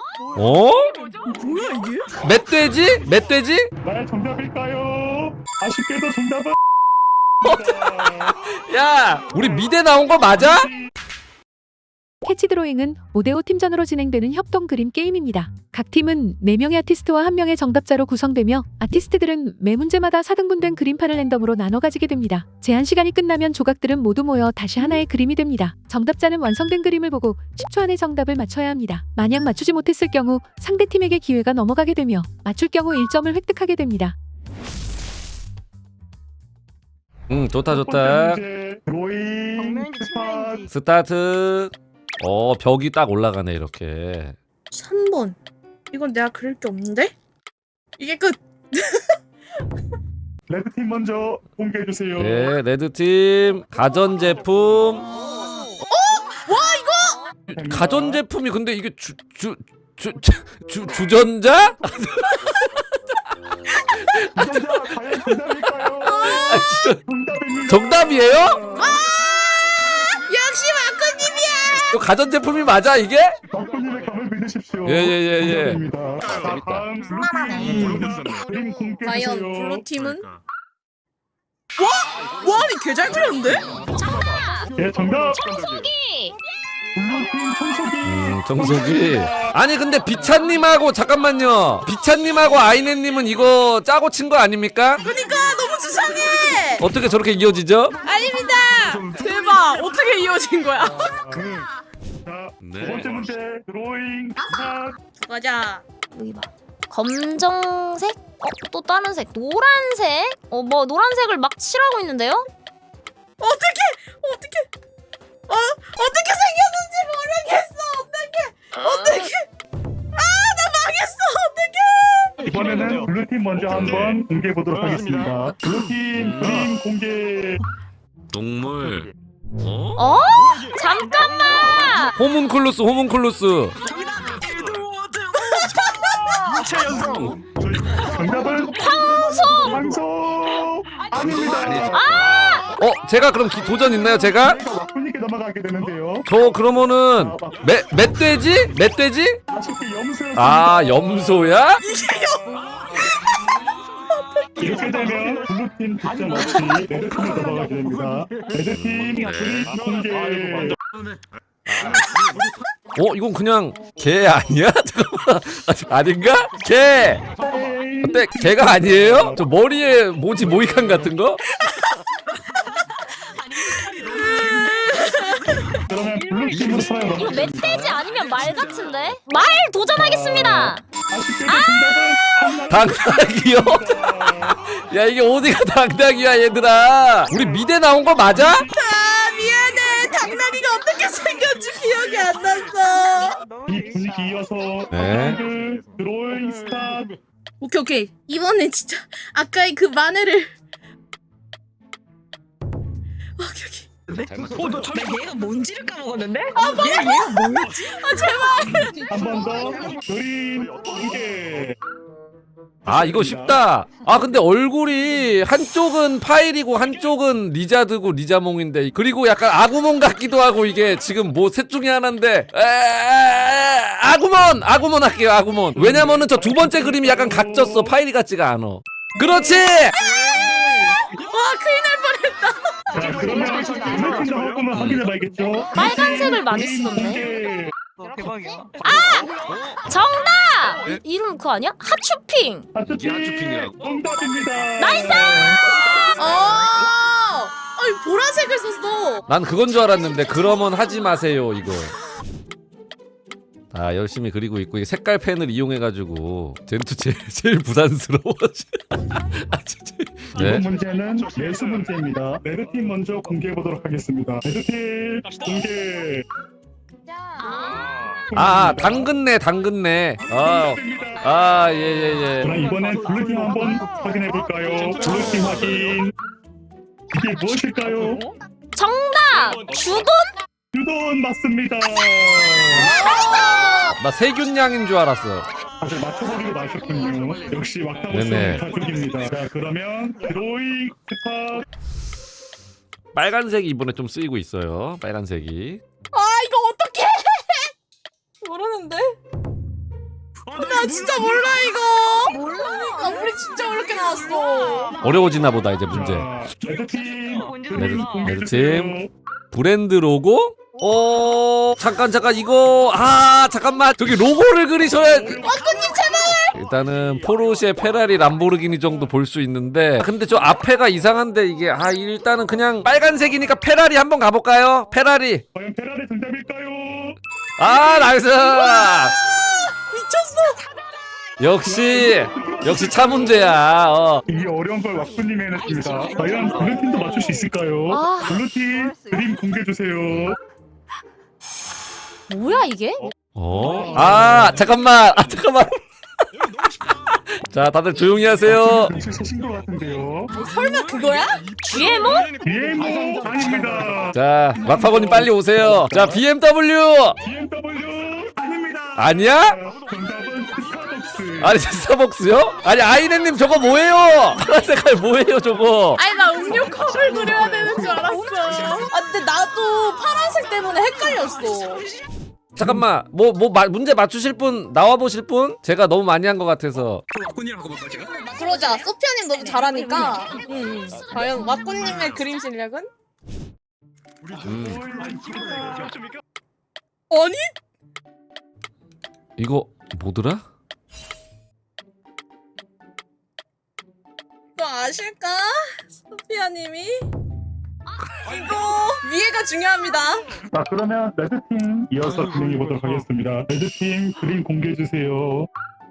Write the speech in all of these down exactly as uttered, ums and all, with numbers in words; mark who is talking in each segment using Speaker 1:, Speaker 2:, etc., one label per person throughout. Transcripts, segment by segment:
Speaker 1: 어?
Speaker 2: 뭐야 이게?
Speaker 1: 멧돼지? 멧돼지?
Speaker 3: 나의 정답일까요? 아쉽게도 정답은
Speaker 1: 야, 우리 미대 나온 거 맞아?
Speaker 4: 캐치 드로잉은 오 대 오 팀전으로 진행되는 협동 그림 게임입니다. 각 팀은 네 명의 아티스트와 한 명의 정답자로 구성되며 아티스트들은 매 문제마다 사 등분된 그림판을 랜덤으로 나눠 가지게 됩니다. 제한 시간이 끝나면 조각들은 모두 모여 다시 하나의 그림이 됩니다. 정답자는 완성된 그림을 보고 십 초 안에 정답을 맞춰야 합니다. 만약 맞추지 못했을 경우 상대 팀에게 기회가 넘어가게 되며 맞출 경우 일 점을 획득하게 됩니다.
Speaker 1: 응, 좋다 좋다.
Speaker 3: 드로잉 스팟.
Speaker 1: 스타트. 어, 벽이 딱 올라가네 이렇게.
Speaker 2: 삼 번. 이건 내가 그릴 게 없는데? 이게 끝.
Speaker 3: 레드팀 먼저 공개해 주세요.
Speaker 1: 네, 레드팀 가전제품.
Speaker 2: 와 이거!
Speaker 1: 가전제품이 근데 이게 주 주 주 주 주전자?
Speaker 3: 정답 과연 정답일까요?
Speaker 1: 아, 진짜
Speaker 3: 정답입니다.
Speaker 1: 정답이에요?
Speaker 2: 역시 마코님이야.
Speaker 1: 이거 가전제품이 맞아 이게?
Speaker 3: 덕분님의 감을 믿으십시오.
Speaker 1: 예, 예, 예, 예.
Speaker 3: 정답입니다. 자, 다음 블루팀 그림 공개해
Speaker 2: 과연
Speaker 3: 주세요.
Speaker 2: 블루팀은? 와! 와 아니 개 잘 그렸는데?
Speaker 3: 예, 정답.
Speaker 5: 청소기!
Speaker 3: 블루팀 청소기.
Speaker 1: 음, 정석이. 아니 근데 비찬님하고 잠깐만요. 비찬님하고 아이네님은 이거 짜고 친 거 아닙니까?
Speaker 2: 그러니까 너무 수상해.
Speaker 1: 어떻게 저렇게 이어지죠?
Speaker 2: 아닙니다. 대박. 어떻게 이어진 거야?
Speaker 3: 자, 두 번째 문제 드로잉 스타트.
Speaker 2: 가자.
Speaker 5: 여기 봐. 검정색? 어? 또 다른 색? 노란색? 어, 뭐 노란색을 막 칠하고 있는데요?
Speaker 2: 어떻게 어떻게 어 어떻게 생겼는지 모르겠어. 어떻게 어떻게 아 나 망했어. 어떻게?
Speaker 3: 이번에는 블루팀 먼저 한번 공개해 보도록 하겠습니다. 블루팀 그림 공개.
Speaker 6: 동물. 어?
Speaker 5: 어? 잠깐만!
Speaker 1: 호문클루스 호문클루스.
Speaker 3: 정답은
Speaker 5: 황소!
Speaker 3: 황소 아닙니다.
Speaker 1: 어, 제가 그럼 기, 도전 있나요 제가?
Speaker 3: 막분님께 넘어가게 되는데요.
Speaker 1: 저 그러면은 멧 멧돼지? 멧돼지?
Speaker 3: 아쉽게 염소였습니다.
Speaker 1: 아, 염소야?
Speaker 3: 이렇게 되면 블루팀 득점 없이 레드팀으로 넘어가게 됩니다. 레드팀 그림 공개.
Speaker 1: 어, 이건 그냥 개 아니야? 잠깐만. 아, 아닌가? 개. 근데 개가 아니에요? 저 머리에 뭐지 모이칸 같은 거?
Speaker 3: 그러면 블루팀으로 서요.
Speaker 5: 이거 멧돼지 아니면 말 같은데? 말 도전하겠습니다!
Speaker 3: 아쉽게도 정답은
Speaker 1: 당당이요? 야, 이게 어디가 당당이야 얘들아. 우리 미대 나온 거 맞아?
Speaker 2: 아 미안해. 당나귀가 어떻게 생겼지 기억이 안 났어.
Speaker 3: 이 분위기 이어서
Speaker 1: 네.
Speaker 3: 그 드로잉 스타트.
Speaker 2: 오케이 오케이. 이번엔 진짜 아까의 그 마늘을. 오케이 오케이.
Speaker 7: 어, 너 잠깐 얘가 뭔지를 까먹었는데? 아, 얘, 얘가 뭐였지?
Speaker 3: 한 번 더 그림 공개.
Speaker 1: 아, 이거 쉽다. 아, 근데 얼굴이 한쪽은 파일이고 한쪽은 리자드고 리자몽인데, 그리고 약간 아구몬 같기도 하고, 이게 지금 뭐 셋 중에 하나인데 에, 에, 에, 아구몬! 아구몬 할게요. 아구몬. 왜냐면은 저 두 번째 그림이 약간 각졌어. 파일이 같지가 않아. 그렇지!
Speaker 2: 와 큰일 날 뻔했다.
Speaker 3: 자, 그러면 블루팀도 한번 확인해 봐야겠죠.
Speaker 5: 빨간색을 많이 쓰던데?
Speaker 7: 대박이야.
Speaker 5: 정답! 이, 이름 그거 아니야? 하츄핑!
Speaker 3: 하트팀
Speaker 6: 야주핑이라고?
Speaker 3: 정답입니다.
Speaker 5: 나이스!
Speaker 2: 어. 아니 보라색을 썼어.
Speaker 1: 난 그건 줄 알았는데, 그러면 하지 마세요, 이거. 아, 열심히 그리고 있고, 이게 색깔 펜을 이용해가지고 젠투 제일, 제일 부담스러워. 아, 진짜.
Speaker 3: 이번
Speaker 1: 네.
Speaker 3: 문제는 매수 문제입니다. 레드팀 먼저 공개해 보도록 하겠습니다. 레드팀 공개.
Speaker 1: 아, 당근네, 당근네. 아, 아, 예, 예, 예.
Speaker 3: 그럼 이번엔 블루팀 한번 확인해 볼까요? 블루팀 확인. 이게 무엇일까요?
Speaker 5: 정답! 주돈?
Speaker 3: 유돈 맞습니다.
Speaker 1: 나 세균냥인 줄 알았어.
Speaker 3: 다들 맞춰보기로 마셨군요. 역시 왁타버스
Speaker 1: 네네.
Speaker 3: 가족입니다. 자, 그러면 드로잉 스타.
Speaker 1: 빨간색이 이번에 좀 쓰이고 있어요. 빨간색이.
Speaker 2: 아 이거 어떡해? 모르는데. 나 진짜 몰라 이거. 몰라. 그러니까 우리 진짜 어렵게 나왔어.
Speaker 1: 어려워지나 보다 이제 문제.
Speaker 3: 자, 레드팀
Speaker 1: 레드,
Speaker 3: 공개해
Speaker 1: 레드팀
Speaker 3: 주세요.
Speaker 1: 브랜드 로고? 어 잠깐 잠깐 이거 아 잠깐만 저기 로고를 그리셔야
Speaker 2: 와꾸님 제발.
Speaker 1: 일단은 포르쉐, 페라리, 람보르기니 정도 볼 수 있는데 근데 저 앞에가 이상한데 이게 아 일단은 그냥 빨간색이니까 페라리 한번 가볼까요? 페라리.
Speaker 3: 과연 페라리 정답일까요?
Speaker 1: 아 나이스.
Speaker 2: 미쳤어.
Speaker 1: 역시 역시 차 문제야. 어.
Speaker 3: 이 어려운 걸 왁구님이 해냈습니다. 과연 블루팀도 맞출 수 있을까요?
Speaker 5: 아.
Speaker 3: 블루팀 그림 공개해 주세요.
Speaker 5: 뭐야 이게?
Speaker 1: 어? 아 잠깐만 아 잠깐만. 자 다들 조용히 하세요.
Speaker 3: 글씨 쓰신 것 같은데요.
Speaker 2: 설마 그거야?
Speaker 5: 지엠오?
Speaker 3: 비엠오 아닙니다.
Speaker 1: 자 락파고님 빨리 오세요. 자 비엠더블유
Speaker 3: 비엠더블유 아닙니다.
Speaker 1: 아니야?
Speaker 3: 정답은 스타벅스.
Speaker 1: 아니 스타벅스요? 아니 아이네님 저거 뭐예요? 파란 색깔 뭐예요 저거?
Speaker 2: 아니 나 음료 컵을 그려야 되는 줄 알았어. 아 근데 나도 파란색 때문에 헷갈렸어.
Speaker 1: 잠깐만 뭐 뭐 문제 맞추실 분 나와 보실 분? 제가 너무 많이 한 것 같아서.
Speaker 6: 왁구님 하고 볼까 제가?
Speaker 2: 그러자. 소피아님 너무 잘하니까. 음. 과연 와꾸님의 그림 실력은?
Speaker 1: 음.
Speaker 2: 아니?
Speaker 1: 이거 뭐더라?
Speaker 2: 너 아실까? 소피아님이? 이거 위에가 중요합니다.
Speaker 3: 자 그러면 레드팀 이어서 진행해 보도록 하겠습니다. 레드팀 그림 공개해 주세요.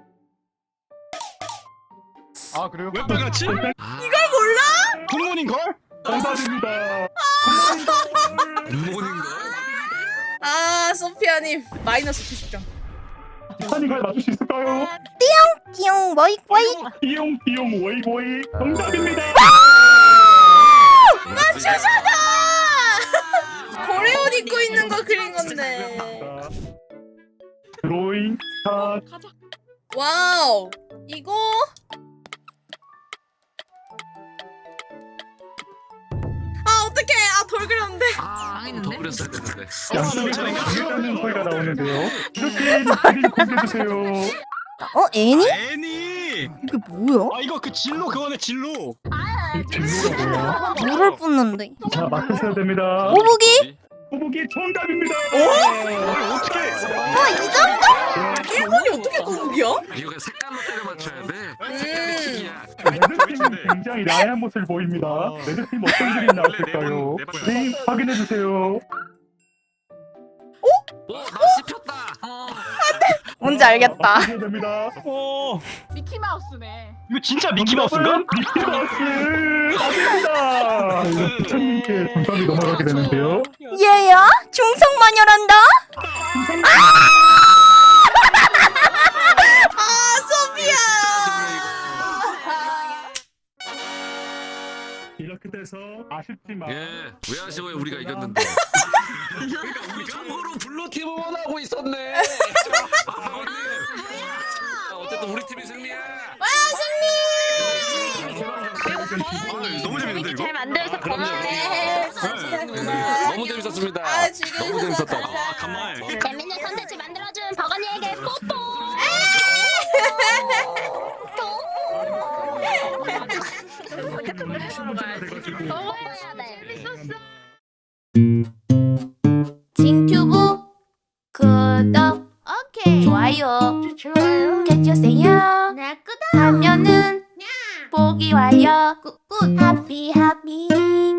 Speaker 8: 아 그래요?
Speaker 6: 왜 빨갛지?
Speaker 2: 이걸 몰라?
Speaker 8: 굿모닝 걸?
Speaker 3: 정답입니다.
Speaker 6: 굿모닝 걸?
Speaker 2: 아 소피아님 마이너스 구십 점.
Speaker 3: 티파니가 맞출 수 있을까요?
Speaker 2: 띠용 뭐이 뭐이.
Speaker 3: 띠용 띠용 워이워이 정답입니다.
Speaker 2: 맞추잖아. 고래 옷 입고 있는 거 그린 건데.
Speaker 3: 드로잉 스타트.
Speaker 2: 와우. 이거 아 어떡해. 아 돌 그렸는데.
Speaker 6: 아, 더 그렸어야 되는데.
Speaker 3: 양쪽에 당했다는 소리가 나오는데요. 레드팀 그림 공개해 주세요.
Speaker 9: 어 애니?
Speaker 8: 애니!
Speaker 9: 이게 뭐야?
Speaker 8: 아 이거 그 진로 그거네 진로.
Speaker 3: 이 진로가 뭐야?
Speaker 9: 물을 붓는데.
Speaker 3: 자 맞추셔야 됩니다.
Speaker 9: 꼬부기?
Speaker 3: 꼬부기 정답입니다.
Speaker 8: 어떻게?
Speaker 9: 어 이 정도?
Speaker 2: 일본이 어떻게 꼬북이야?
Speaker 6: 이거 그냥 색깔로 때려 맞춰야 돼.
Speaker 2: 음.
Speaker 6: 색깔이 킥이야.
Speaker 3: 레드팀은 굉장히 야한 모습을 보입니다. 레드팀 어떤 그림 나왔을까요? 그림 확인해 주세요.
Speaker 6: 어, 나 씹혔다.
Speaker 9: 뭔지 알겠다.
Speaker 3: 맞추셔야 됩니다.
Speaker 8: 어
Speaker 2: 미키마우스네.
Speaker 8: 이거 진짜 미키 마우스인가?
Speaker 3: 미키마우스 아닙니다. 이거 부처님께 정답이 넘어가게 되는데요.
Speaker 9: 얘야? 중성마녀란다?
Speaker 2: 아 소피아.
Speaker 3: 이렇게 돼서 아쉽지만
Speaker 6: 예, 왜 아쉬워요? 우리가 이겼는데. 그러니까 우리 참고로 블루팀 응원하고 있었네. 아, 박원님. 아, 어쨌든 우리 팀이 승리야.
Speaker 2: 와 승리.
Speaker 6: 아, 너무 재밌는데 이거?
Speaker 5: 잘 만들어서 고마워.
Speaker 2: 네.
Speaker 6: 네, 너무 재밌었습니다.
Speaker 2: 아, 지금
Speaker 6: 너무 재밌었다.
Speaker 2: 감사합니다.
Speaker 8: 가만.
Speaker 5: 재밌는 컨텐츠 만들어준 버거니에게 뽀뽀.
Speaker 9: 징튜브 구독 오케이 좋아요 좋아요 해주세요 하면은 보기 와요 굿굿 하피 하피